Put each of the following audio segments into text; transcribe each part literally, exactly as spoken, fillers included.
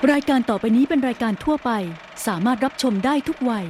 รายการต่อไปนี้เป็นรายการทั่วไปสามารถรับชมได้ทุกวัย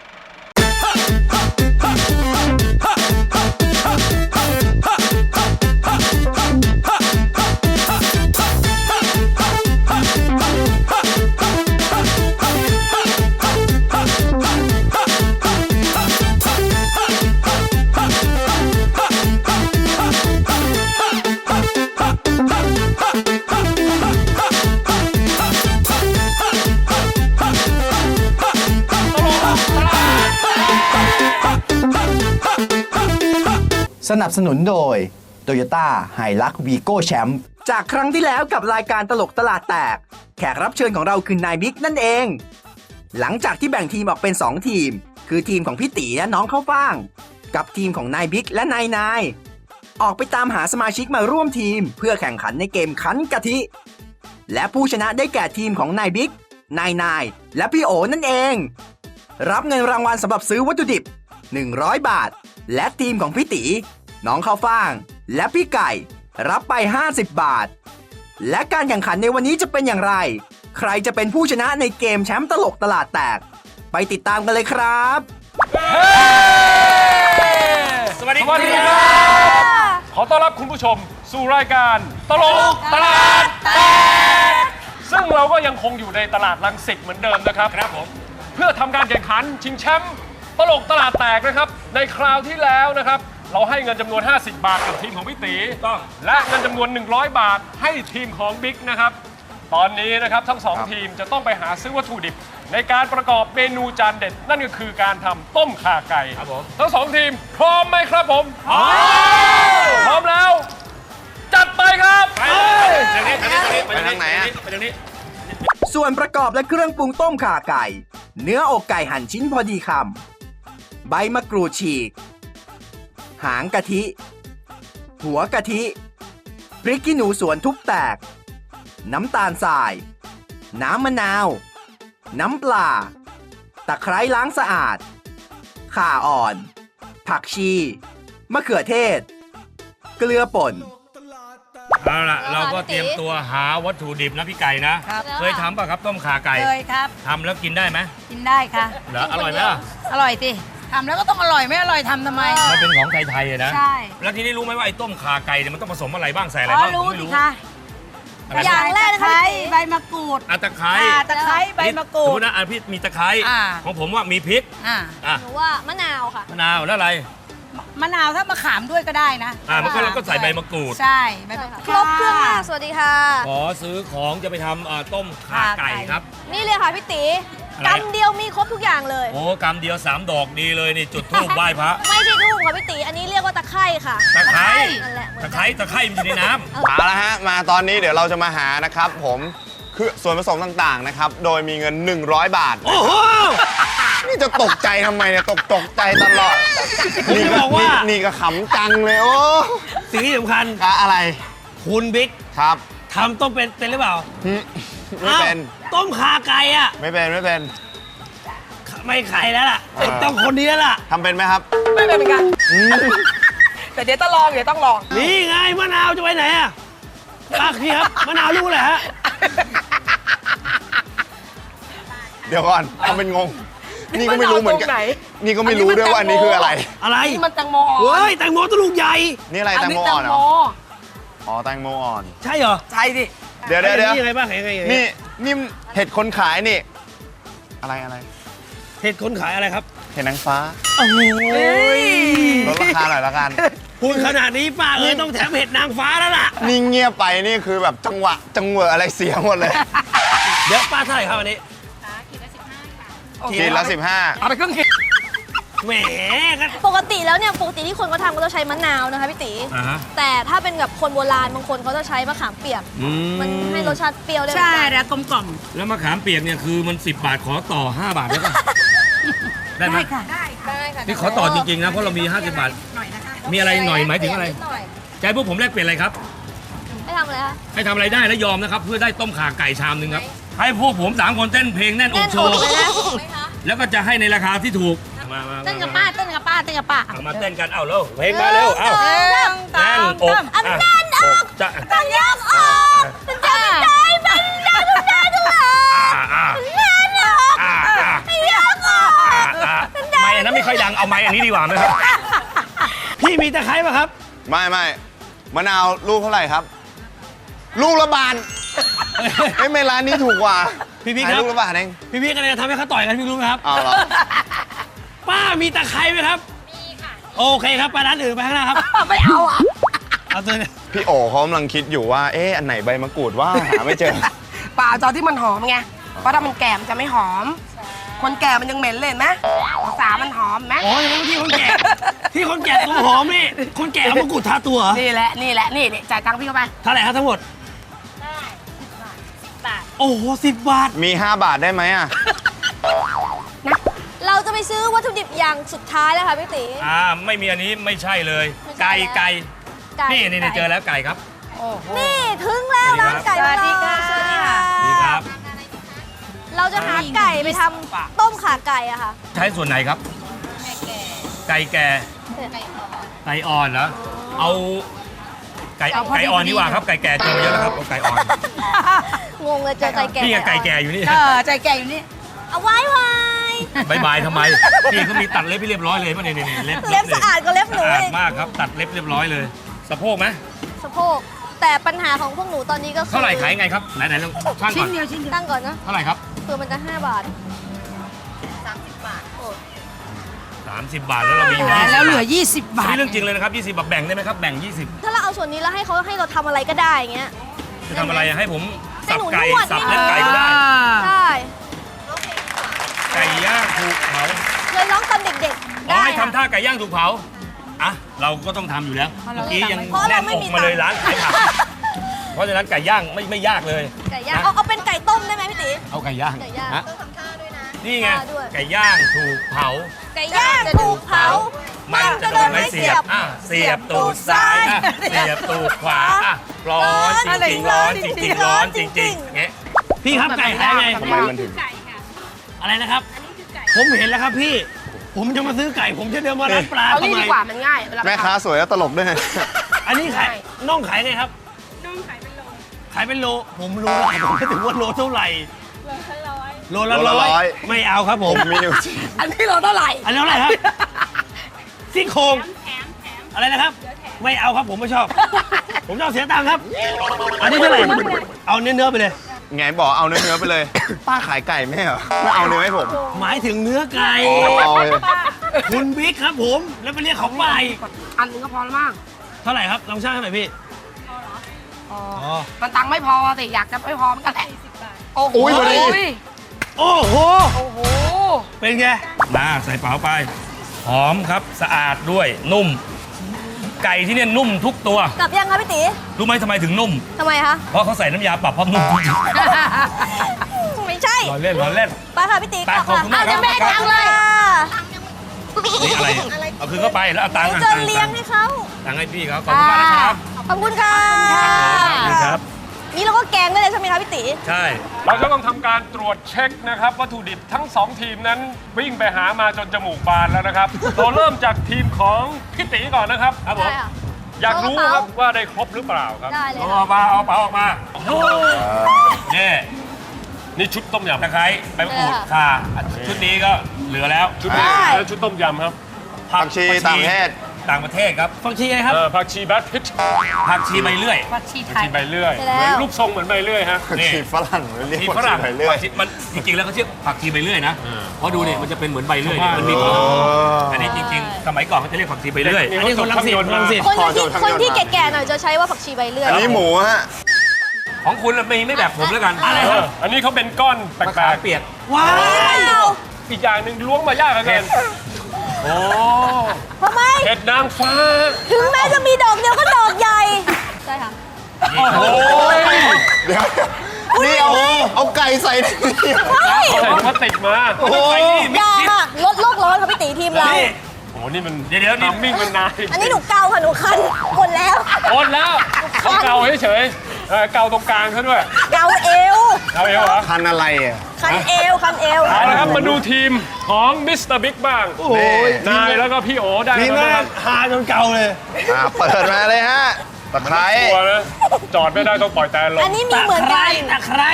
สนับสนุนโดย Toyota Hilux Vigo Champ จากครั้งที่แล้วกับรายการตลกตลาดแตกแขกรับเชิญของเราคือนายบิ๊กนั่นเอง หลังจากที่แบ่งทีมออกเป็นสองทีมคือทีมของพี่ตีและน้องข้าวฟ่างกับทีมของนายบิ๊กและนายนายออกไปตามหาสมาชิกมาร่วมทีมเพื่อแข่งขันในเกมคั้นกะทิและผู้ชนะได้แก่ทีมของนายบิ๊กนายนายและพี่โอนั่นเองรับเงินรางวัลสำหรับซื้อวัตถุดิบหนึ่งร้อยบาทและทีมของพี่ตีน้องข้าวฟ่างและพี่ไก่รับไปห้าสิบบาทและการแข่งขันในวันนี้จะเป็นอย่างไรใครจะเป็นผู้ชนะในเกมแชมป์ตลกตลาดแตกไปติดตามกันเลยครับสวัสดีครับขอต้อนรับคุณผู้ชมสู่รายการตลกตลาดแตกซึ่งเราก็ยังคงอยู่ในตลาดรังสิตเหมือนเดิมนะครับครับผมเพื่อทำการแข่งขันชิงแชมป์ตลกตลาดแตกนะครับในคราวที่แล้วนะครับเราให้เงินจำนวนห้าสิบบาทกับทีมของพี่ตีต้องและเงินจำนวนหนึ่งร้อยบาทให้ทีมของบิ๊กนะครับตอนนี้นะครับทั้งสองทีมจะต้องไปหาซื้อวัตถุดิบในการประกอบเมนูจานเด็ดนั่นก็คือการทำต้มข่าไก่ครับผมทั้งสองทีมพร้อมไหมครับผมพร้อมพร้อมแล้วจัดไปครับไปทางนี้ทางนี้ไปทางไหนอ่ะไปทางนี้ส่วนประกอบและเครื่องปรุงต้มข่าไก่เนื้ออกไก่หั่นชิ้นพอดีคำใบมะกรูดฉีกหางกะทิหัวกะทิพริกขี้หนูสวนทุบแตกน้ำตาลทรายน้ำมะนาวน้ำปลาตะไคร้ล้างสะอาดข่าอ่อนผักชีมะเขือเทศเกลือป่นเอาล่ะเราก็เตรียมตัวหาวัตถุดิบนะพี่ไก่นะเคยทำป่ะครับต้มข่าไก่เคยครับทำแล้วกินได้ไหมกินได้ค่ะเหรออร่อยไหมล่ะอร่อยสิทำแล้วก็ต้องอร่อยไม่อร่อยทำทำไมมันเป็นของไทยๆนะใช่แล้วทีนี้รู้ไหมว่าไอ้ต้มข่าไก่เนี่ยมันต้องผสมอะไรบ้างใส่อะไรบ้างรู้สิคะอย่างแรกนะคะใบมะกรูดอ่ะตะไคร้ตะไคร้ใบมะกรูดนะอ่ะพี่มีตะไคร้ของผมว่ามีพริกอ่าอ่ะหนูว่ามะนาวค่ะมะนาวแล้วอะไรมะนาวถ้ามะขามด้วยก็ได้นะอ่ามันก็เราก็ใส่ใบมะกรูดใช่ครบเครื่องมากสวัสดีค่ะขอซื้อของจะไปทำต้มข่าไก่ครับนี่เลยค่ะพี่ตีกำเดียวมีครบทุกอย่างเลยโอ้กำเดียวสามดอกดีเลยนี่จุดธูปไหว้พระไม่ใช่ธูปค่ะพี่ตีอันนี้เรียกว่าตะไคร้ค่ะตะไคร้นั่นแหละตะไคร้ตะไคร้มันอยู่ในน้ำเอาละฮะมาตอนนี้เดี๋ยวเราจะมาหานะครับผมคือส่วนผสมต่างๆนะครับโดยมีเงินหนึ่งร้อยบาทโอ้โหนี่จะตกใจทำไมเนี่ยตกตกใจตลอดนี่ก็บอกว่านี่ก็ขำจังเลยโอ้สิ่งที่สำคัญอะไรคุณบิ๊กครับทำต้มเป็นเป็นหรือเปล่าไม่เป็นต้มข่าไก่อ่ะไม่เป็นไม่เป็นไม่ไข่แล้วล่ะต้องคนนี้แล้วล่ะทำเป็นไหมครับไม่เป็นเหมือนกันแต่เดี๋ยวต้องลองเดี๋ยวต้องลองนี่ไงมะนาวจะไปไหนอ่ะรักพี่ครับมะนาวรู้แหละฮะเดี๋ยวก่อนทำเป็นงงนี่ก็ไม่รู้เหมือนกันนี่ก็ไม่รู้ด้วยว่าอันนี้คืออะไรอะไรนี่มันแตงโมเฮ้ยแตงโมตัวลูกใหญ่นี่อะไรแตงโมอ่อนเหรออ๋อแตงโมอ่อนใช่เหรอใช่ดิเดี๋ยวเดี๋ยวเดี๋ยวยังไงบ้างยังไงนี่นี่เห็ดคนขายนี่อะไรอะไรเห็ดคนขายอะไรครับเห็ดนางฟ้าโอ้ยลดราคาหน่อยละกันพูดขนาดนี้ป้าเอ้ยต้องแถมเห็ดนางฟ้าแล้วล่ะนี่เงียบไปนี่คือแบบจังหวะจังหวะอะไรเสียหมดเลยเดี๋ยวป้าเท่าไหร่ครับวันนี้ขีดละสิบห้าเอาไปครึ่งขีดแหมปกติแล้วเนี่ยปกติที่คนเขาทำก็จะใช้มะนาวนะคะพี่ตีแต่ถ้าเป็นแบบคนโบราณบางคนเขาจะใช้มะขามเปียกมันให้รสชาติเปรี้ยวได้ใช่แล้วกลมกล่อมแล้วมะขามเปียกเนี่ยคือมันสิบบาทขอต่อห้าบาทได้ป่ะได้ไหมค่ะได้ค่ะนี่ขอต่อจริงๆนะเพราะเรามีห้าสิบบาทมีอะไรหน่อยหมายถึงอะไรใจพวกผมแลกเปลี่ยนอะไรครับให้ทำอะไรคะให้ทำอะไรได้แล้วยอมนะครับเพื่อได้ต้มข่าไก่ชามนึงครับให้พวกผมสามคนเต้นเพลงแน่นอกโชว์แล้วก็จะให้ในราคาที่ถูกเต้นกับป้าเต้นกับป้าเต้นกับป้ามาเต้นกันเอาเร็วเพลงมาเร็วเอาแน่นอกอันแน่นอกจะต้องยกออกจะใจเป็นใจทุกอย่างดีกว่าไหมครับพี่มีตะไคร้ป่ะครับไม่ไม่มะนาวลูกเท่าไหร่ครับ ลูกละบาทไม่ไม่ร้านนี้ถูกกว่าพี่พี่ขายครับลูกละบาทเองพี่พี่กันเลยทำให้เขาต่อยกันพี่รู้ไหมครับเอาเหรอป้ามีตะไคร้ไหมครับ มีค่ะ โอเคครับไปร้านอื่นไปข้างหน้าครับไม่เอาอ่ะเอาตัวเนี่ยพี่โอเขากำลังคิดอยู่ว่า เอ๊ะอันไหนใบมะกรูดว่าหาไม่เจอเปล่าจอที่มันหอมไง เพราะถ้ามันแก่มันจะไม่หอม คนแก่มันยังเหม็นเลยเห็นไหมสามันหอมไหมอ๋ออย่างนั้นที่คนแก่ ที่คนแก่ตัวหอมนี่ คนแก่เอามะกรูดทาตัวเหรอนี่แหละ นี่แหละ นี่นี่จ่ายตังค์พี่เข้าไปเท่าไหร่ครับทั้งหมด โอ้โหสิบบาทมี ห้า บาทได้ไหมอ่ะเราจะไปซื้อวัตถุดิบอย่างสุดท้ายแล้วค่ะพี่ตีอ่าไม่มีอันนี้ไม่ใช่เลย ไก่ไก่ไก่นี่นี่นี่เจอแล้วไก่ครับนี่ถึงแล้วร้านไก่ของเราสวัสดีค่ะสวัสดีค่ะดีครับเราจะหาไก่ไปทำต้มขาไก่อะค่ะใช้ส่วนไหนครับ ไก่แก่ไก่อ่อนเหรอเอาไก่เอาพอดีไก่อ่อนดีกว่าครับไก่แก่เจอมาเยอะแล้วครับเอาไก่อ่อนงงเลยเจอไก่แก่นี่ไงไก่แก่อยู่นี่เออใจแก่อยู่นี่เอาไว้ไว้บายบายทำไมพี่เขามีตัดเล็บให้เรียบร้อยเลยป่ะเนี่ยนี่เล็บเล็บสะอาดกว่าเล็บหนูสะอาดอีกมากครับตัดเล็บเรียบร้อยเลยสะโพกไหมสะโพกแต่ปัญหาของพวกหนูตอนนี้ก็คือเท่าไหร่ขายไงครับไหนไหนลองช่างก่อนตั้งก่อนนะเท่าไหร่ครับคือมันจะห้าบาทสามสิบบาทแล้วเรามีอยู่ยี่สิบแล้วเหลือ ยี่สิบบาทนี่เรื่องจริงเลยนะครับยี่สิบบาทแบ่งได้ไหมครับแบ่งยี่สิบถ้าเราเอาส่วนนี้แล้วให้เขาให้เราทำอะไรก็ได้อย่างเงี้ยจะทำอะไรอะให้ผมให้สับหนูไก่นวดสับเล็บไก่ก็ได้ใช่ไก่ย่างถูกเผาเลยร้องตอนเด็กๆอ๋อได้ให้ค่ะทำท่าไก่ย่างถูกเผาอ่ะเราก็ต้องทำอยู่แล้วเมื่อกี้ยังเพราะแน่เรานไม่อกมีมาเลยตังค์ร้านขายผักเพราะฉะนั้นไก่ย่างไม่ไม่ยากเลยไก่ย่างเอาเอาเป็นไก่ต้มได้ไหมพี่ตีเอาไก่ย่างไก่ย่างฮะต้องทำท่าด้วยนะนี่ไงท่าด้วยไก่ย่างถูกเผาไก่ย่างถูกเผามันจะโดนไม้เสียบอ่ะเสียบตูดซ้ายอ่ะเสียบตูดขวาอ่ะร้อนจริงๆร้อนจริงๆร้อนจริงๆเงี้ยพี่ครับไก่ขายไงทำไมมันถึงอะไรนะครับ ผมเห็นแล้วครับพี่ ผมจะมาซื้อไก่ ผมจะเดินมาร้านปลาเอาทำนี่ไมดีกว่ามันง่ายเวลาแม่ค้าสวยแล้วตลกด้วยอันนี้ขายน่องขายไงครับ น่องขายเป็นโล ขายเป็นโล ผมรู้แล้วผมไม่ถึงว่าโลเท่าไหร่ โลละโลละร้ร้ออย ยไม่เอาครับผมมีนิ้วชี้อันนี้เราเท่าไหร่อันนี้เท่าไหร่ครับซี่โครงอะไรนะครับ ไม่เอาครับผมไม่ชอบ ผมจะเอาเสียตังค์ครับ อันนี้เท่าไหร่ เอาเนื้อๆไปเลยไงบอกเอาเนื้อๆไปเลย ป้าขายไก่ไม่เหรอไม่เอาเนื้อให้ผมหมายถึงเนื้อไก่เอาเลยคุณบิ๊กครับผม แล้วไปเรียกเขาไปอันนึงก็พอแล้วมั้งเท่าไหร่ครับ ลองช่างให้หน่อยพี่พออ๋อมันตังค์ไม่พอสิอยากจะไม่พอมันก็แหละโอ้โหอุ้ยพอดีโอ้โหโอ้โหเป็นไงมาใส่เป๋าไป หอมครับสะอาดด้วยนุ่ม ไก่ที่เนี่ยนุ่มทุกตัวกลับยังคะพี่ตีรู้ไหมทำไมถึงนุ่มทำไมคะเพราะเขาใส่น้ำยาปรับความนุ่มจริงไม่ใช่ๆร้อนเล่นร้อนเล่นไปค่ะพี่ตีไปกลับขอบคุณมากครับเดี๋ยวแม่ตังค์เลยนี่อะไรเอาคืนเข้าไปแล้วเอาตังค์เดี๋ยวอ่ะจะตังค์เลี้ยงให้เขาตังค์ให้พี่เขาขอบคุณมากนะครับขอบคุณค่ะขอบคุณครับนี่เราก็แกงได้เลยใช่ไหมคะพี่ตีใช่เราจะต้องทำการตรวจเช็คนะครับวัตถุดิบทั้งสองทีมนั้นวิ่งไปหามาจนจมูกบานแล้วนะครับ เราเริ่มจากทีมของพี่ตีก่อนนะครับครับผมได้ค่ะอยากรู้ครับว่าได้ครบหรือเปล่าครับได้เลยเอาอค่ะอกมาเอาเป๋าออกมานี่นี่ชุดต้มยำตะไคร้ใบมะกรูดข่าชุดนี้ก็เหลือแล้วชุดนี้แล้วชุดต้มยำครับผักชีต่างประเทศต่างประเทศครับฟังชีไงครับเอ่อผักชีแบทพิชผักชีใบเลื่อยผักชีไทผักยชีใบเลื่อยใช่แล้วเหมือนรูปทรงเหมือนใบเลื่อยฮะผักชีฝรั่งเรียกที่ว่าฝรั่งไปเรื่อยผักชีมันจริงๆแล้วเขาชื่อผักชีใบเลื่อยนะเออเพราะดูเนี่ยมันจะเป็นเหมือนใบเลื่อยชาวบ้านมันมีเอออัอันนี้จริงๆ สมัยก่อนเขาจะเรียกผักชีใบเลื่อยนี่อันนี้คนรังสิตคนรังสิตคนขอที่โทษครับคนที่แก่ๆหน่อยจะใช้ว่าผักชีใบเลื่อยอันนี้หมูฮะของคุณไม่ไม่แบบผมแล้วกันอะไรเอครัอบ อันนี้เขาเป็นก้อนแปมะลขามกเปียกว้าวๆอีกอย่างหนึ่งล้วงมายากเหลือเกินโอ้ทำไมเห็ดนางฟ้าถึงแม้จะมีดอกเดียวก็ดอกใหญ่ ใช่ค่ะโอ้ยเดี๋ยวนี่เอาเอาไก่ใส่ในนี้ใช่ใส่พลาสติกมาโอ้โหอย่าค่ะลดโลกร้อนค่ะพี่ตีทีมเรานี่โอ้นี่มันเดี๋ยวเดี๋ยวนี่ทำมิ่งมันนานอันนี้หนูเกาค่ะหนูคันหมดแล้วโอนแล้วเขาเกาเฉยๆเออเกาตรงกลางเขาด้วยเกาเอวเกาเอวเหรอพันอะไรอ่ะคันเอวคันเอวเอาละครับมาดูทีมของมิสเตอร์บิ๊กบ้างโอ้โหนายแล้วก็พี่โอได้ทีมแล้วแรนะคกรับหาจนเก่าเลยอ่าเปิดมาเลยฮะตะไคร้ตัวนะจอดไม่ได้ต้องปล่อยแต่ลงอันนี้มีตะเหมือนไคกัร้นตะไคร้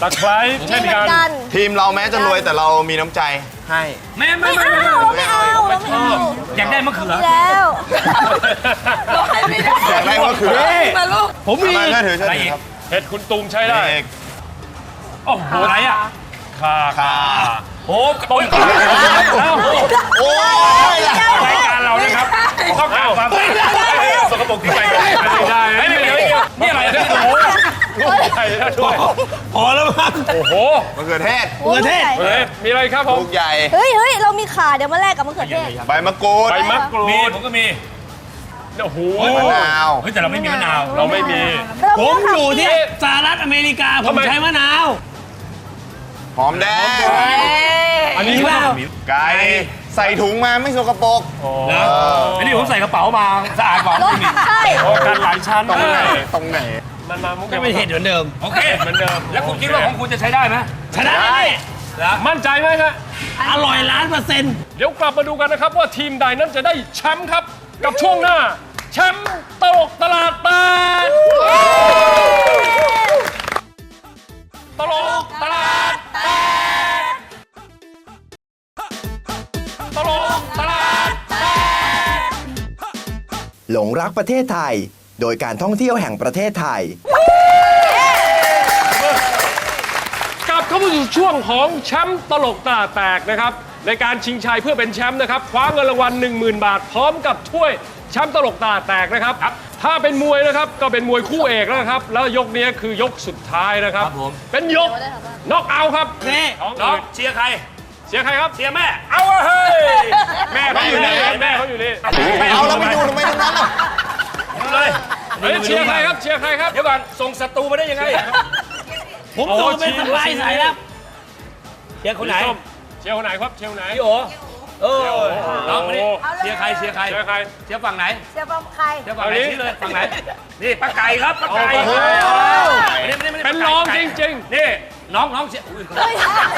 ตะไคร้เช่นเหมือกันนกันทีมเราแม้จะรวยแต่เรามีน้ำใจให้ไม่ไม่ไม่ไม่เอาไม่เราไม่เอาเราไม่เอาอยากได้มะเขือมีแล้วเราให้ไม่ได้อยากได้ก็คือมาลูกผมมีมาเชื่อถือเชื่อถือครับเห็ดคุณตูมใช้ได้เอกโอ้โหอะไรอ่ะข่าค่ะโอ้ต้มข่าเอ้าโอ้ยรายการเรานะครับต้องการความสกปรกที่ไปกันไม่ได้ไม่ได้นี่อะไรเนี่ยโอ้โหลูกใหญ่นะด้วยพอแล้วมั้งโอ้โหมะเขือเทศโอ้ยประเทศเฮ้ยมีอะไรครับผมลูกใหญ่เฮ้ยเฮ้ยเรามีขาเดี๋ยวมาแลกกับมะเขือเทศใบมะกรูดใบมะกรูมีดผมก็มีโอ้โหมะนาวเฮ้ยแต่เราไม่มีมะนาวเราไม่มีเราผมไเาอยู่ที่ค่ะสหรัฐอเมริกา ผทำมไมใช้มะนาวหอมแดงอันนี้มีเปล่าไก่ใส่ถุงมาไม่สกปรกนะอันนี้ผมใส่กระเป๋ามาสะอาดกว่าลดไม่มีใช่โอ้กันหลายชั้นตรงไหนเลยตรงไหนมันมามุกก็เป็นเห็ดเหมือนเดิมโอเคเหมือนเดิมแล้วคุณคิดว่าของคุณจะใช้ได้ไหมชนะได้มั่นใจไหมฮะอร่อยล้านเปอร์เซ็นต์เดี๋ยวกลับมาดูกันนะครับว่าทีมใดนั้นจะได้แชมป์ครับ กับช่วงหน้า แชมป์ตลกตลาดแตกตลกตลาดแตกตลกตลาดแตกหลงรักประเทศไทย โดยการท่องเที่ยวแห่งประเทศไทยกลับเข้ามาสู่ช่วงของแชมป์ตลกตลาดแตกนะครับในการชิงชัยเพื่อเป็นแชมป์นะครับคว้าเงินรางวัล หนึ่งหมื่น บาท พร้อมกับถ้วยแชมป์ตลกตลาดแตกนะครับถ้าเป็นมวยนะครับก็เป็นมวยคู่เอกแล้วนะครับแล้วยกนี้คือยกสุดท้ายนะครับครับผมเป็นยกน็อกเอาท์ครับนี่ของน้องอื่นเชียร์ใครเสียใครครับเชียร์แม่ เอาอะเฮ้ยแม่เขาอยู่นี่แม่เขาอยู่นี่ไม่เอาแล้วไปดูทำไมตรงนั้นอ่ะดูเลยเฮ้ยเชียร์ใครครับเชียร์ใครครับเดี๋ยวก่อนส่งศัตรูมาได้ยังไงผมโอ้ส่งเป็นชีสสบายใส่แล้วเชียร์คนไหนสีส้มเชียร์คนไหนครับเชียร์คนไหนพี่โอเออน้องมาดิโอ้เชียร์ใครเชียร์ใครเชียร์ใครเชียร์ฝั่งไหนเดี๋ยวใครเชียร์ฝั่งไหนเอาดิชี้เลยฝั่งไหน นี่ป้าไก่ครับป้าไก่โอ้โหไม่ได้ไม่ได้ไม่ได้เป็นรองจริงนี่น้องน้องเชียร์อุ้ยเฮ้ย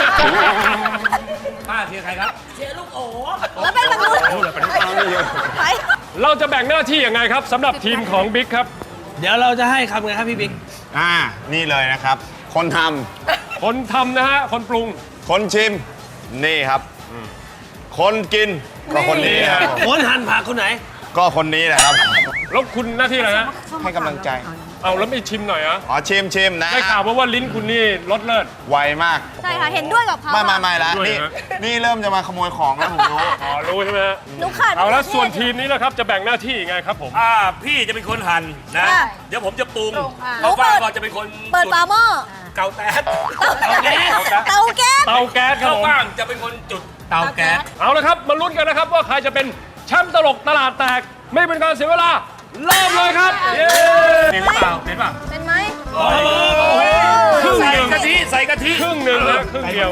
ป้าเชียร์ใครครับแล้วเป็นมนุษย์ไปๆ เราจะแบ่งหน้าที่ยังไงครับสำหรับทีมของบิ๊กครับเดี๋ยวเราจะให้คำไงครับพี่บิ๊กอ่า นี่เลยนะครับ คนทคนทำนะฮะคนปรุงำคนชิม นี่ครับ คนกิน ก็คนนี้ครับผมคนหั่นผักคนไหนก็คนนี้แหละครับแล้วคุณหน้าที่อะไรฮะให้กำลังใจเอาแล้วไม่ชิมหน่อยเหรอะอ๋อชิมชิมนะได้ข่าวมาว่าลิ้นคุณนี่รสเลิศไวมากใช่ค่ะเห็นด้วยกับเขาไม่ไม่ไม่ละด้วยนี่นะนี่เริ่มจะมาขโมยของแล้วผมรู้อ๋อรู้ใช่ไหมฮะหนูขาดเอาแล้วส่วนทีมนี้นะครับจะแบ่งหน้าที่ยังไงครับผมอ่าพี่จะเป็นคนหั่นนะค่ะเดี๋ยวผมจะปรุงหนูเขาเปิฟ้าดก็จะเป็นคนเปิดฝาหม้อเกาแต๊ดเตาแก๊สเตาแก๊สเตาแก๊สครับเขาผมฟ้างจะเป็นคนจุดเตาแก๊สเอาละครับมาลุ้นกันนะครับว่าใครจะเป็นแชมป์ตลกตลาดแตกไม่เป็นการเสียเวลาเริ่มเลยครับเย้เป็นหรือเปล่าเป็นเปล่าเป็นไหมครึ่งใส่หนึ่งกะทิใส่กะทิครึ่งหนึ่งนะครึ่งเดียว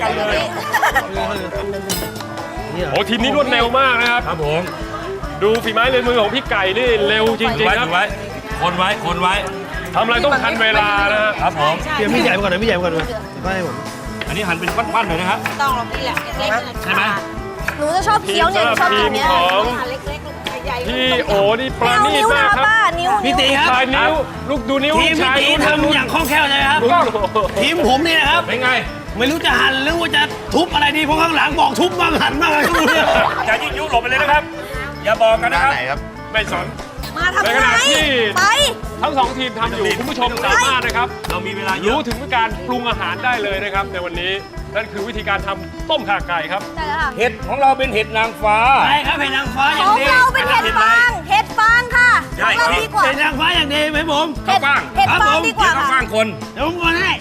โอ้ทีมนี้รวดเร็วมากนะครับครับผมดูฝีไม้ลายมือของพี่ไก่นี่เร็วจริงไว้ๆครับไว้คนไว้คนไว้ทำอะไรต้องทันเวลานะฮะครับผมเดี๋ยวพี่ใหญ่ไปก่อนนะพี่ใหญ่ไปก่อนนะไม่ให้ผมอันนี้หั่นเป็นปั้นๆเลยนะครับต้องหรอกนี่แหละเล็กๆใช่ไหมหนูจะชอบทีเคี้ยวมเนี่ยหนูสำหชรัอบบ ทีมกินเนี้ยของเล็กๆใหญ่ๆพี่โอนี่ปไม่ราเอาณีตนิ้วมานะกครับป้านิ้วพี่ตีครับชายนิ้วลูกดูนิ้วทีมพี่ชายตีนิ้วทำอย่างคล่องแคล่วเลยครับถูกต้องทีมผมนี่นะครับเป็นไงไม่รู้จะหั่นหรือว่าจะทุบอะไรดีเพราะข้างหลังบอกทุบบ้างหั่นบ้างอะไรก็ไม่รู้เนี่ยจะยิ่งยุหลบไปเลยนะครับ อย่าบอกกันด้านะนครับไหนครับไม่สนมาทำในขไมณะที่ไปทั้งสองทีมทำอยู่คุณผู้ชมสามารถนะครับเรามีเวลาเยรู้อะถึงการปรุงอาหารได้เลยนะครับ ในวันนี้นั่นคือวิธีการทำต้มข่าไก่ครับได้แล้วค่ะเห็ดของเราเป็นเห็ดนางฟ้าใช่ครับเห็ดนางฟ้าอขย่างองดีเราเป็นเห็ดฟางเห็ดฟางค่ะใช่ของเราดีกว่าเห็ดนางฟ้าอย่างดีไหมผมเห็ดข้าวฟ่างเห็ดครับฟางผมดีกว่าเดี๋ยวเขาค่ะฟ้างคนเดี๋ยวผมก่อนให้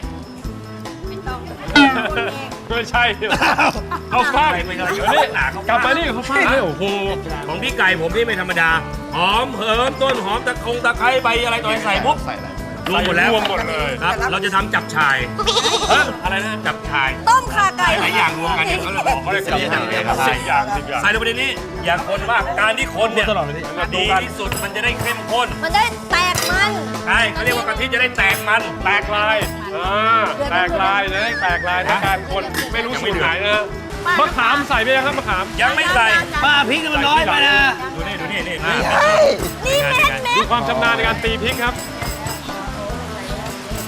ไม่ใช่เอาฟางไม่ใช่เดี๋ยวนี่กลับมานี่เขาฟางเลยโอ้โหของพี่ไก่ผมนี่ไม่ธรรมดา หอมเหิมต้นหอมตะคงตะไคร้ใบอะไรต่ออะไรใส่ปุ๊บใส่อะไรรวมหมดแล้วรวมหมดเลยครับ เราจะทำจับชายฮะอะไรนะจับชายต้มข่าไก่หลายอย่างรวมกันเนี่ยเขาเลยบอกเขาเรียกจับฉ่ายครับสิบอย่างสิบอย่างใส่ลงไปในนี้ อย่าคนมากการที่คนเนี่ยตลอดเลยพี่ดีที่สุดมันจะได้เข้มข้นมันได้แตกมันใช่เขาเรียกว่ากะทิจะได้แตกมันแตกลายอ่าแตกลายนะแตกลายในการคนไม่รู้สูตรไหนนะมะขามใส่ไปยังครับมะขามยังไม่ใส่ป้าพริกมันน้อยไปนะดูนี่ดูนี่นี่นี่เม็ดเม็ดูดความชำนาญในการตีพริกครับ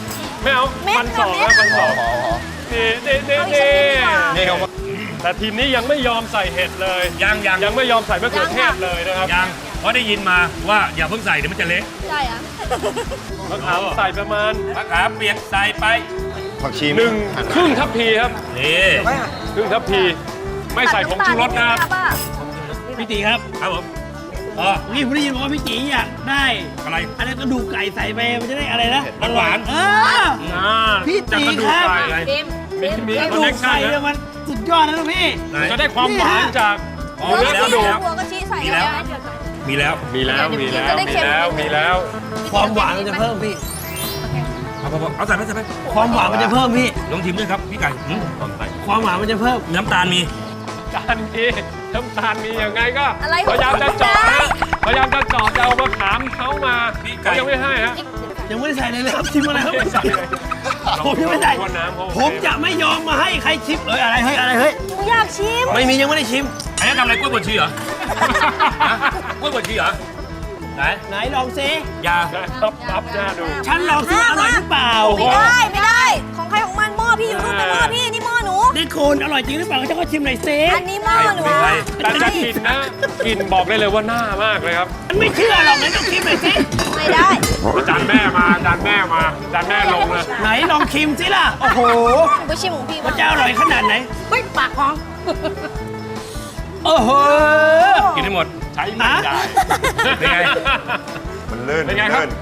ไม่เอาเม็ดมันสองเม็นะดมันสองอ๋อนี่นี่นี่เอาอีกสักนิดดีกว่านี่เขาแต่ทีมนี้ยังไม่ยอมใส่เห็ดเลยยังยังยังไม่ยอมใส่มะเขือเทศเลยนะครับยังเพราะได้ยินมาว่าอย่าเพิ่งใส่เดี๋ยวมันจะเละใช่อะมะขามใส่ประมาณมะขามเปียกใส่ไปผักชีหนึ่งครึ่งทัพพีครับนี่ครึ่งทัพพี ไม่ใส่ผงชูรสนะครับพี่ตีครับครับผมอ๋อนี่ผมได้ยินบอกว่าพี่ตีอยากได้อะไรอะไรกระดูกไก่ใส่ไปมันจะได้อะไรนะหวานเอออ่าพี่จะตีกระดูคกรับไก่เต็มมีมีกระคอนดูเนกคชั่นไก่เนี่ยนะมันสุดยอดนะลูกพี่ไหนจะได้ความหวานจากอ๋อเนื้อกระดูกหัวกะทิใส่มีแล้วได้มีแล้วมีแล้วมีแล้วจะได้มีเค็มแล้วมีแล้วความหวานมันจะเพิ่มพี่เอาเอาเอาใส่ไปใส่ไปความหวานมันจะเพิ่มพี่ลองชิมด้วยครับพี่ไก่หืมความหวานมันจะเพิ่มน้ำตาลมีจานมีน้ำตาลมียังไงก็อะไรของพยายามจะเจาะได้นะพยายามจะเจาะจะเอามะขามเขามาเขายังไม่ให้ฮะยังไม่ได้ใส่เลยเลยครับชิมอะไรครับไม่ใส่เลยผมยังไม่ได้ว่าน้ำเขาผมจะไม่ยอมมาให้ใครชิมเอ้ยอะไรเฮ้ยอะไรเฮ้ยหนูอยากชิมไม่มียังไม่ได้ชิมอันนี้ทำอะไรกล้วยบดชีเหรอ ฮะกล้วยบดชีเหรอไหนไหนลองซิยาตับตับหน้าดูฉันลองซิว่าอร่อยหรือเปล่าไม่ได้ไม่ได้ ของใครของมันหม้อพี่อยู่นู่นเป็นหม้อพี่นี่หม้อหนูนี่คุณอร่อยจริงหรือเปล่าฉันก็ชิมหน่อยซิอันนี้หม้อหนูแต่จะกินนะกินบอกได้เลยว่าหน้ามากเลยครับฉันไม่เชื่อหรอกไหนต้องชิมหน่อยซิไม่ได้อาจารย์แม่มาอาจารย์แม่มาอาจารย์แม่ลงเลยไหนลองชิมซิล่ะโอ้โหหนูไปชิมของพี่มับ้าน งจะอร่อยขนาดไหนเฮ้ยปากของโอ้โหกินให้หมดใช้ไม่ได้เป็นไงมันลื่นเป็นไงครับลื่น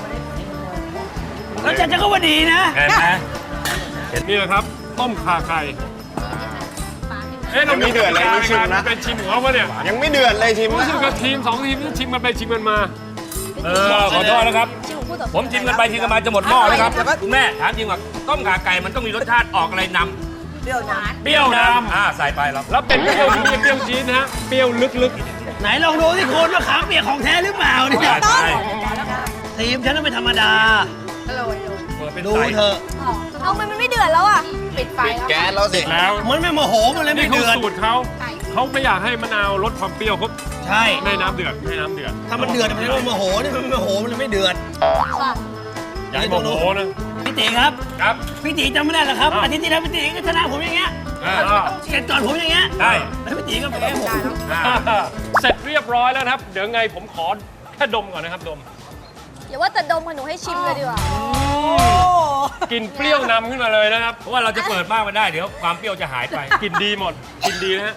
แล้วฉันจะก็ว่าดีนะเห็นไหมนี่แหละครับ ต้มข่าไก่เอ๊ะเรามีเดือดอะไรนี่ชิมนะเป็นชิมของเขาปะเนี่ยยังไม่เดือดเลยชิมรู้นะสึกว่าทีมสองทีมนี่ชิมกันไปชิมกันมาเออขอโทษนะครับชิมของผู้ต่อสู้ผมชิมกันไปชิมกันมาจะหมดหม้อแล้วครับคุณแม่ถามจริงว่าต้มขาไก่มันต้องมีรสชาติออกอะไรนำเปรี้ยวหวานเปรี้ยวนำอ่าใส่ไปแล้วแล้วเป็นเปรี้ยวมีเปรี้ยวจี๊ดนะฮะเปรี้ยวลึกไหนลองดูสิคุณว่าขามเปียกของแท้หรือเปล่าเนี่ยใช่ทีมฉันน่ะไม่ธรรมดาอร่อยเลยเปิดเป็นดูใส่เถอะเอามันมันไม่เดือดแล้วอ่ะปิดไฟแล้วแก๊สแล้วสิๆ แล้วมันไม่โมโหมันเลยนี่ไม่เขาเดือดสูตรเขาเขาไม่อยากให้มะนาวลดความเปรี้ยวเขาใช่ให้น้ำเดือดให้น้ำเดือดถ้ามันเดือดมันจะโมโหนี่มันไม่โมโหมันเลยไม่เดือดอย่าให้โมโหนะพี่ตีครับครับพี่ตีจำไม่ได้เหรอครับอ้าวอาทิตย์ที่แล้วพี่ตีก็ชนะผมอย่างเงี้ยอ่าอ่าเก็บก่อนผมอย่างเงี้ยได้แล้วพี่ตีก็แพ้ผมอ่าเสร็จเรียบร้อยแล้วนะครับ เดี๋ยวไงผมขอแค่ดมก่อนนะครับดมอย่าว่าแต่ดมค่ะหนูให้ชิมเลยดีกว่ากลินเปรี้ยวนำขึ้นมาเลยนะครับเพราะว่าเราจะเปิดมากไม่ได้เดี๋ยวความเปรี้ยวจะหายไปกลินดีหมดกลินดีนะฮะ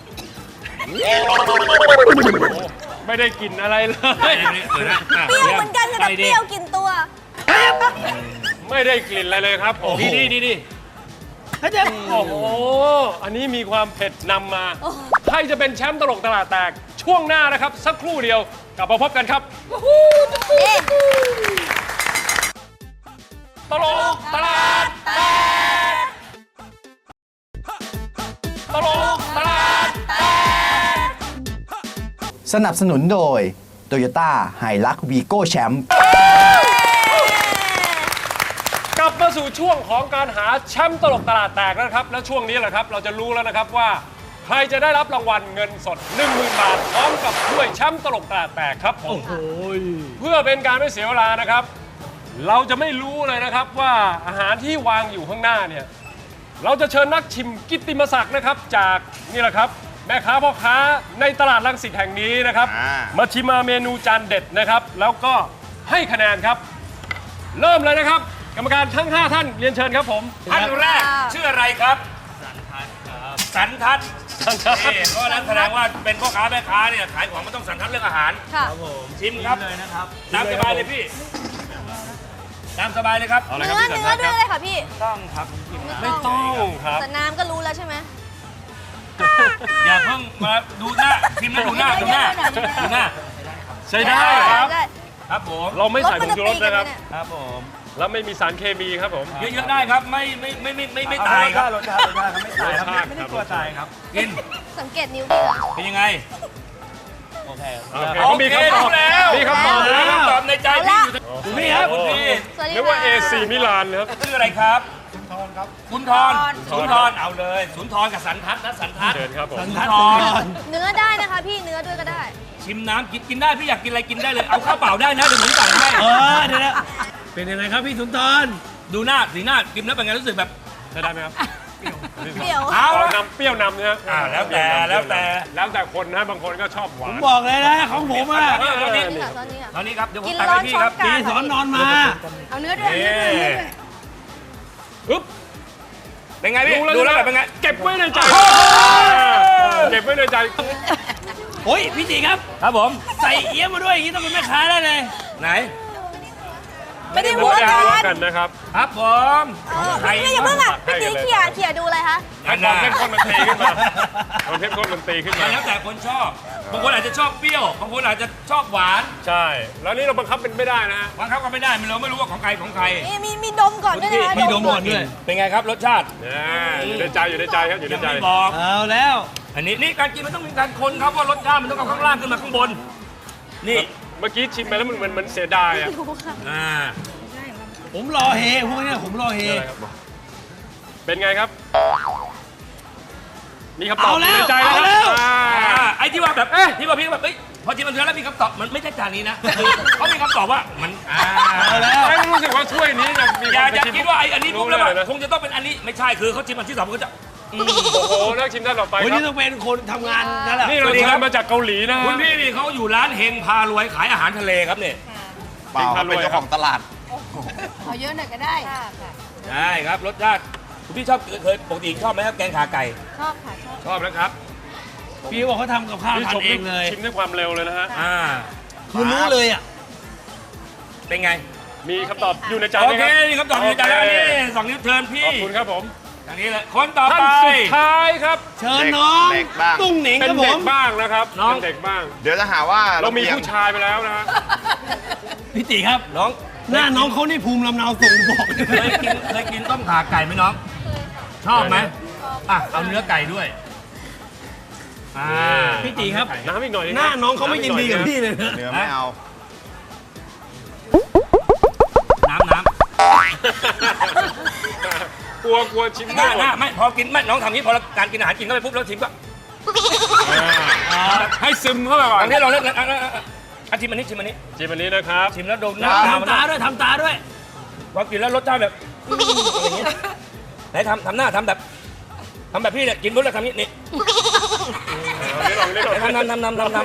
ไม่ได้กลินอะไรเลยเปิดนะอ่ะเปรี้ยวเหมือนกันค่ะแต่เปรี้ยวกินตัวไม่ได้กลิ่นอะไรเลยครับผมดีดีดีดีเขาจะโอ้โห อันนี้มีความเผ็ดนำมาใครจะเป็นแชมป์ตลกตลาดแตกช่วงหน้านะครับ สักครู่เดียวกลับมาพบกันครับเอ๊ะตลกตลาดแตกตลกตลาดแตกสนับสนุนโดย Toyota Hilux Vigo Champ กลับมาสู่ช่วงของการหาแชมป์ตลกตลาดแตกแล้วนะครับ และช่วงนี้แหละครับ เราจะรู้แล้วนะครับว่า ใครจะได้รับรางวัลเงินสด หนึ่งหมื่น บาทพร้อมกับถ้วยแชมป์ตลกตลาดแตกครับผมเพื่อเป็นการไม่เสียเวลานะครับ เราจะไม่รู้เลยนะครับว่าอาหารที่วางอยู่ข้างหน้าเนี่ยเราจะเชิญนักชิมกิตติมศักดิ์นะครับ จากนี่แหละครับแม่ค้าพ่อค้าในตลาดรังสิตแห่งนี้นะครับอ่ามาชิมมาเมนูจานเด็ดนะครับ แล้วก็ให้คะแนนครับ เริ่มเลยนะครับ กรรมการทั้ง ห้า ท่านเรียนเชิญครับผมท่านแรกชื่ออะไรครับ สันทัศน์สันทัศน์นี่เพราะฉะนั้นแสดงว่าเป็นพ่อค้าแม่ค้าเนี่ยขายของมันต้องสันทัดเรื่องอาหารค่ะชิมครับเลยนะครับตามสบายเลยพี่ตามสบายเลยครับเอาเลยคเนื้รับอพี่เนื้อสันด้วยทัศน์เลยค่ะพี่ต้องครับไม่ต้องครับแต่น้ำก็รู้แล้วใช่ไหมอย่าเพิ่งมาดูหน้าชิมแล้วดูหน้าดูหน้าดูหน้าใช้ได้ครับได้ครับผมเราไม่ใส่ผงชูรสนะครับลดมันจะตีกันไหมเนี่ยครับผมแล้วไม่มีสารเคมีครับผมเยอะๆได้ครับไม่ไม่ไม่ไม่ไม่ไม่ตายครับรสชาติครับไม่ได้กลัวตายครับกินสังเกตนิ้วพี่นะเป็นยังไงโอเคเขามีคำตอบแล้วมีคำตอบแล้วคำตอบในใจพี่อยู่คุณพี่ครับคุณพี่สวัสดีเรียกว่าค่ะเอ ซี มิลานครับชื่ออะไรครับสุนทรครับสุนทรสุนทรเอาเลยสุนทรกับสันทัศน์นะสันทัศน์เชิญครับผมสุนทัดทก่อรนเนื้อได้นะคะพี่เนื้อด้วยก็ได้ชิมน้ำกินกินได้พี่อยากกินอะไรกินได้เลยเอาข้าวเปล่าได้นะเดี๋ยวผมสั่งให้เออเดี๋ยวนะเป็นยังไงครับพี่สุนทรดูหน้าสีหน้ากินแล้วเป็นไงรู้สึกแบบใช้ได้ไหมครับเดี๋ยวเอาเอาละนำเปรี้ยวนำนะฮะอ่าแล้วแต่แล้วแต่แล้วแต่คนนะบางคนก็ชอบหวาผมนบอกเลยนะของผมอ่ะเออเอานี่นี่ค่ะตอนนี้ค่ะตอนนี้ครับเดี๋ยวผมกินตักร้อให้นพี่ช้อคน รับกลางพี่สอนนอนมาเอาเนื้อด้วยเอาเนื้อด้วยเอาเนื้อด้วยปึ๊บเป็นไงพี่ดูแล้วดูแล้วแบบเป็นไงเก็บไว้ในใจเก็บไว้ในใจโอ้ยพี่ตีครับครับผมใส่เอี้ยมมาด้วยอย่างนี้ต้องเป็นแม่ค้าได้เลยไหนไม่ได้หัหัววใจกัรักนกันนะครับครับผมเออใครนี่อย่าเพิ่งอ่ะพี่ตีเขี่ยเขี่ยดูอะไรคะให้ความเข้มข้นมันตีขึ้นมาความเข้มข้นมันตีขึ้นมาแล้วแต่คนชอบ บางคนอาจจะชอบเปรี้ยว บางคนอาจจะชอบหวานใช่ แล้วนี่เราบังคับเป็นไม่ได้นะฮะบางครั้งก็ไม่ได้มันเราไม่รู้ว่าของใครของใครนี่มีมีดมก่อนด้วยนะคะมีดมก่อนด้วยเป็นไงครับรสชาติเนี่ยอยู่ในใจอยู่ในใจครับอยู่ในยังใจไม่บอกเอาแล้วอันนี้นี่การกินมันต้องมีการคนครับว่ารสชาติมันต้องเอาข้างล่างขึ้นมาข้างบน นี่เมื่อกี้ชิมไปแล้วมันเหมือนมันเสียดายอะดูค่ะอ่าผมรอเฮพวกเนี้ยผมรอเฮอะไรครับเป็นไงครับ มีคำตอบเอาแล้วในใจแล้วเอาแล้วอ่าอ่าไอ้ที่ว่าแบบเอ๊ะที่ว่าพี่แบบเอ้ยพอชิมมันเสร็จแล้วมีคำตอบมันไม่ใช่จานนี้นะคือเขามีคำตอบว่ามันอ่าเอาแล้วไม่รู้สึกว่าช่วยนี้ยังมีอย่าคนไปอย่าชิมคิดว่าไอ้อันนี้ปุ๊บแล้วรู้แบบเยนะคงจะต้องเป็นอันนี้ไม่ใช่คือเขาชิมอันที่สองเขาก็จะอืมโอ้โหเลิกชิมท่านต่อไปวันครันี้บต้องเป็นคนทำงานนั่นแหละนี่เราสวัสดีเชิครัญบมาจากเกาหลีนะฮะคุณพี่นี่เขาอยู่ร้านเฮงพารวยขายอาหารทะเลครับเนี่ยเปล่าเขาเป็นเจ้าของตลาดเอาเยอะหน่อยก็ได้ใช่ครับรสชาติคุณพี่ชอบเคยปกติชอบไหมครับแกงขาไก่ชอบค่ะชอบชอบนะครับพี่บอกเขาทำกับข้าวพี่ทาชนมเองเลยชิมด้วยความเร็วเลยนะฮะอ่าคือรู้เลยอ่ะเป็นไงมีคำตอบอยู่ในใจโอไหมเคครับนี่คำตอบอยู่ในใจแล้วนี่สองนิ้วเทิร์นพี่ขอบคุณครับผมทางนี้เลยคนต่อท่านไปสุดท้ายครับเชิญน้องเด็กบ้างตุ้งหนิงเป็คน รับผเด็กมบ้างนะครับน้องเป็นเด็กบ้างเดี๋ยวจะหาว่าเรามีอียงผู้ชายไปแล้วนะฮะพี่ตีครับน้องหน้าน้องเขานี่ภูมิลำเนาสูงบอกเลยเคยกินเคยกินต้มขาไก่ไหมน้อง ชอบไหมอ่ะเอาเนื้อไก่ด้วยอ่าพี่ตีครับน้ำอีกหน่อยหน้าน้องเขาไม่ยินดีกับพี่เลยนะเนื้อไม่เอาน้ำน้กลัวกลัวชิมำหได้น้าหน้าไม่พอกินไม่น้องทำนี้พอการกินอาหารกินเข้าไปปุ๊บแล้วชิมก็อ่าให้ซึมเข้าไปก่อนอันนี้เราเล่นอ่ะอ่ะอ่ะอ่ะอ่ะชิมอันนี้ชิมอันนี้ชิมอันนี้นะครับชิมแล้วดมหน้าตามันทำตาด้วยทำตาด้วยพอกินแล้วรสชาติแบบอืมอย่างเงี้ยไหนทำทำหน้าทำแบบทำแบบพี่เนี่ยกินปุ๊บแล้วทำนี้นี่เอานี่ลองนี่ลองทำทำทำทำทำทำทำ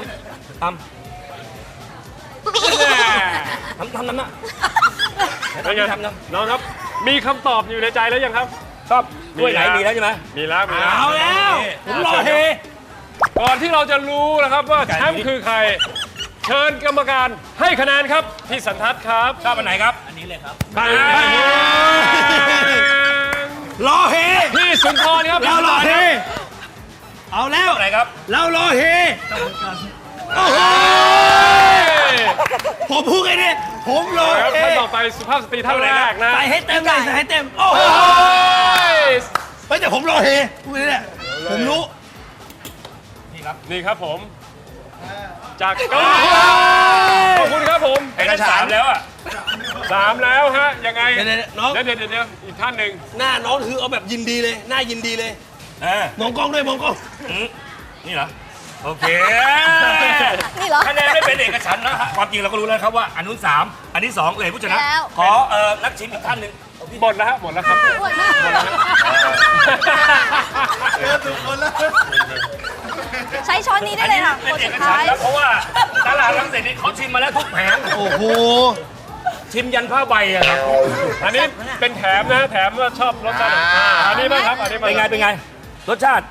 แน่ทำทำทำหน้าเป็นไงทำทำน้องครับ มีคำตอบอยู่ในใจแล้วยังครับชอบด้วยไหนมีแล้วใช่ไหมมีแล้วมีแล้วเอาแล้ว ผมรอเฮก่อนที่เราจะรู้นะครับว่าแชมป์คือใคร เชิญกรรมการให้คะแนนครับพี่สันทัศน์ครับชอบอันไหนครับอันนี้เลยครับไปรอเฮพี่สุนทรครับเรารอเฮ เอาแล้วอันไหนครับเรารอเฮโอ้โหผมพูดไงเนี่ยผมรอครับเฮท่านต่อไปสุภาพสตรีท่านแรกนะใส่ให้เต็มเลยใส่ให้เต็ม โอ้โหโอ้ยเฮ้ยแต่ผมรอเฮพูดเนี่ยผมรู้นี่ครับผม จากเกาหลีขอบคุณครับผมไอ้นั่นสามแล้วอ่ะสามแล้วฮะ ยังไงเดี๋ยวๆน้องเดี๋ยวเดี๋ยวเดี๋ยวอีกท่านหนึ่งหน้าน้องคือเอาแบบยินดีเลย หน้ายินดีเลยเออมองกล้องด้วยมองกล้องอืมนี่เหรอ โอเคนี่เหรอคะแนนไม่เป็นเอกฉันท์นะฮะความจริงเราก็รู้แล้วครับว่าอันนู้นสามอันนี้สองเลยผู้ชนะแล้วขอเอ่อนักชิมอีกท่านหนึ่งหมดแล้วฮะหมดแล้วครับอ้วนมากใช้ช้อนนี้ได้เลยค่ะเป็นคนเอสุกดฉัท้าน ยท์แล้วเพราะว่าตลาดรังสิตนี่เขาชิมมาแล้วทุกแผงโอ้โหชิมยันผ้าใบอะครับอันนี้เป็นแถมนะแถมว่าชอบรสชาติไหนอ่าอันนี้บ้างครับอันนี้บ้างเป็นไงเป็นไง รสชาติ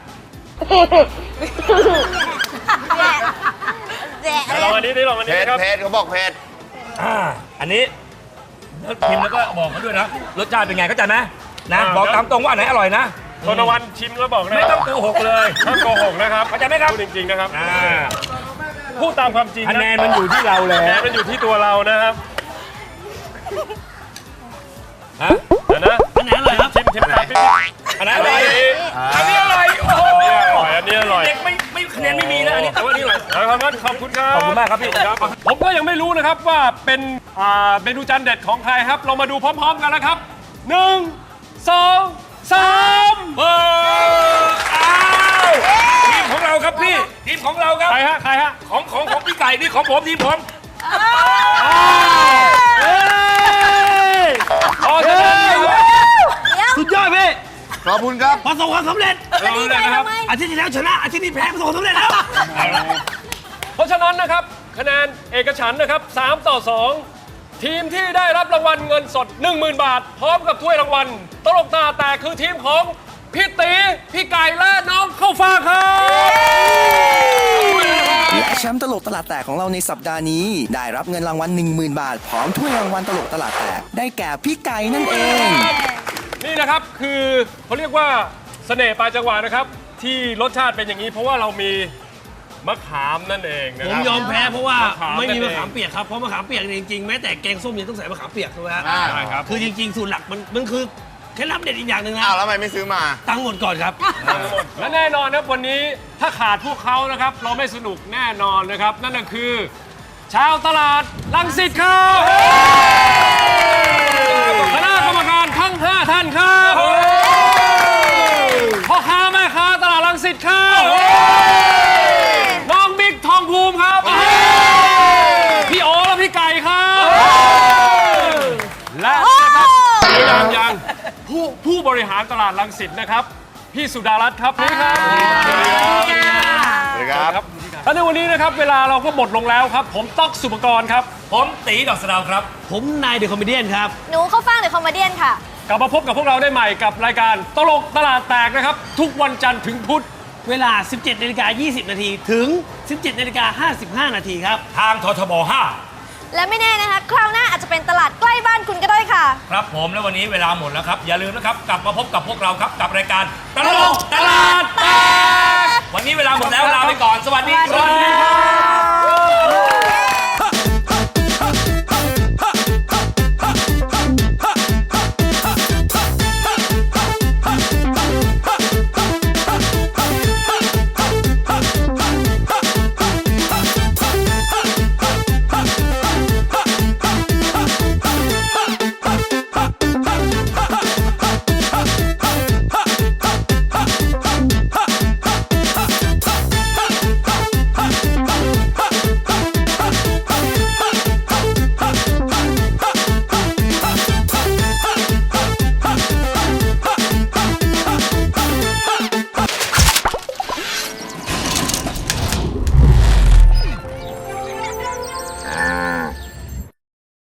แดะลองอันนี้ดิลองอันเพนี้ชรครับเพชรเขาบอกเพชรอ่า อันนี้แล้วชิมแล้วก็บอกเขาด้วยนะ รสชาติเป็นไงเข้าใจไหมนะ บอกตามตรงว่าอันไหนอร่อยนะโทนวันชิมแล้วบอกนะไม่ต้องโกหกเลยห้ามโกหกนะครับเข้าใจไหมครับพูดจริงๆนะครับอ่าพูดตามความจริงคะแนนมันอยู่ที่เราแล้คะแนนวมันอยู่ที่ตัวเรานะครับฮะเดี๋ยวนะอันไหนอร่อยครับชิมชิมตามพี่อันไหนอร่อย อันนี้อร่อย โอ้โหอันนี้อร่อยอันนี้อร่อยเด็กไม่ไม่คะแนนไม่มีนะ อันนี้แต่ว่าอันนี้อร่อยเอาครับขอบคุณครับขอบคุณมากครับพี่ผมก็ยังไม่รู้นะครับว่าเป็นอ่าเมนูจานเด็ดของใครครับ เรามาดูพร้อม ๆ กันนะครับหนึ่งสองสามเอออ้าวทีมของเราครับพี่ ทีมของเราครับใครฮะใครฮะของของของพี่ไก่นี่ของผมทีมผมเอ้ยขอแสดงคอบคุณครับประสบความสำเร็จจะดีใจทำไมอาทิตย์ที่แล้วชนะอาทิตย์นี้แพ้ประสบความสำเร็จแล้วเพราะฉะนั้นนะครับคะแนนเอกฉันท์นะครับสามต่อสองทีมที่ได้รับรางวัลเงินสด หนึ่งหมื่น บาท พร้อมกับถ้วยรางวัลตลกตาแตกคือทีมของพี่ตีพี่ไก่และน้องเข้าฟ้าครับและแชมป์ตลกตลาดแตกของเราในสัปดาห์นี้ ได้รับเงินรางวัล หนึ่งหมื่น บาท พร้อมถ้วยรางวัลตลกตลาดแตก ได้แก่พี่ไก่นั่นเองนี่นะครับคือเขาเรียกว่าเสน่ห์ปลายจังหวะนะครับ ที่รสชาติเป็นอย่างนี้ เพราะว่าเรามีมะขามนั่นเองนะผคมรับยอมแพ้เพราะว่ามะขามไม่มีนั่มะนเองขามเปียกครับเพราะมะขามเปียกเนี่ยจริงๆแม้แต่แกงส้มยังต้องใส่มะขามเปียกถูกไหมฮะใช่ครับคือจริงๆสูตรหลักมันมันคือเคล็ดลับเด็ดอีกอย่างหนึ่งนะอ้าวแล้วทำไมไม่ซื้อมาตังค์หมดก่อนครับและแน่นอนนะครับวันนี้ถ้าขาดพวกเขานะครับ เราไม่สนุกแน่นอนนะครับ นั่นก็คือ ชาวตลาดรังสิตครับคณะกรรมการทั้งห้าท่านครับพ่อค้าแม่ค้าตลาดรังสิตครับน้องบิ๊กทองภูมิครับพี่โอและพี่ไก่ครับและนะครับยังยังผู้ผู้บริหารตลาดรังสิตนะครับพี่สุดารัตน์ครับนี่ครับสวัสดีครับครับและในวันนี้นะครับเวลาเราก็หมดลงแล้วครับ ผมต๊อกสุปกรณ์ครับผมตีดอกสะเดาครับผมนายเดอะคอมเมเดี้ครับหนูเข้าฟังเดอะคอมเมเดี้ค่ะกลับมาพบกับพวกเราได้ใหม่กับรายการตลกตลาดแตกนะครับ ทุกวันจันทร์ถึงพุธเวลา สิบเจ็ดนาฬิกายี่สิบนาทีถึง สิบเจ็ดนาฬิกาห้าสิบห้านาทีครับทางททบห้าและไม่แน่นะคะ คราวหน้าอาจจะเป็นตลาดใกล้บ้านคุณก็ได้ค่ะครับผมและวันนี้เวลาหมดแล้วครับ อย่าลืมนะครับ กลับมาพบกับพวกเราครับกับรายการตลกตลาดแตกวันนี้เวลาหมดแล้วลาไปก่อน สวัสดีสวัสดีครับ